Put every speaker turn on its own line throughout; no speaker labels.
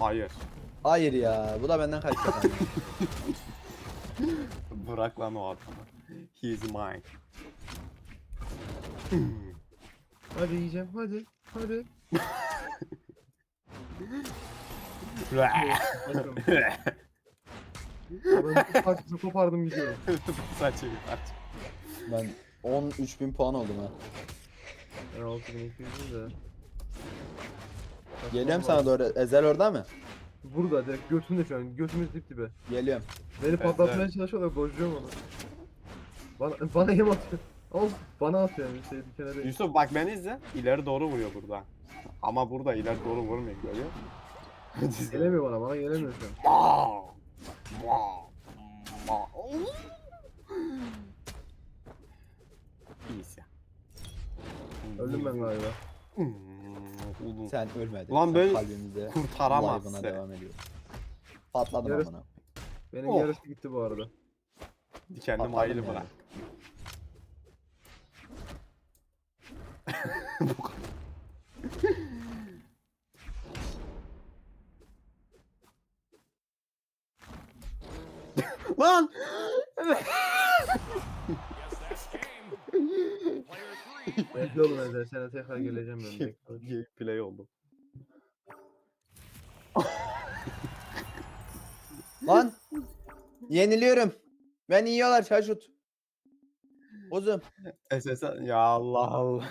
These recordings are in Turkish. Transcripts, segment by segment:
Hayır.
Hayır ya. Bu da benden kaçacak. ama.
Bırak lan o adamı. He is mine.
Hadi yiyeceğim hadi. Hadi. Ben bir parçasını kopardım gidiyorum.
Saçı bir parça.
Ben 13.000 puan oldum ha.
Ben 6200'üm de.
Geliyorum sana doğru. Ezel orada mı?
Burada direkt götünde şu an. Götümüz dip dibe.
Geliyorum.
Beni patlatmaya
evet.
çalışıyorlar. Bozuyorum onu. Bana yem atıyor. Ama bana atıyor yani şey dikene değil.
Yusuf bak beni izle. İleri doğru vuruyor burada. Ama burada ileri doğru vurmuyor görüyor musun?
Gelemiyor bana gelemiyor şu an.
Aa! Aa! Aa! İyiyiz ya.
Öldüm ben galiba.
Oğlum.
Sen ölmedin.
Ulan
Sen
böyle
kalbimizde
kurtaramazsın.
live'ına devam ediyor. Patladım
Yarısı-
amına.
Benim
Oh.
yarısı gitti bu arada.
Dikenli
Patladım
maylı
yani.
bırak. Bu kadar. Lan!
Bekle oğlum Ezel. Sana tekrar geleceğim ben. Bekle.
Play oldu.
Lan! Yeniliyorum. Ben yiyorlar şaşut. Uzun.
SSL ya Allah Allah.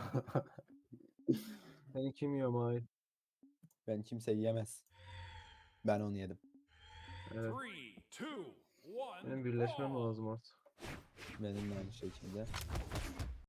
Seni kim yiyor Mahir?
Ben kimse yiyemez. Ben onu yedim.
Evet.
3, 2, 1.
Benim birleşmem lazım artık.
Benim de aynı şekilde.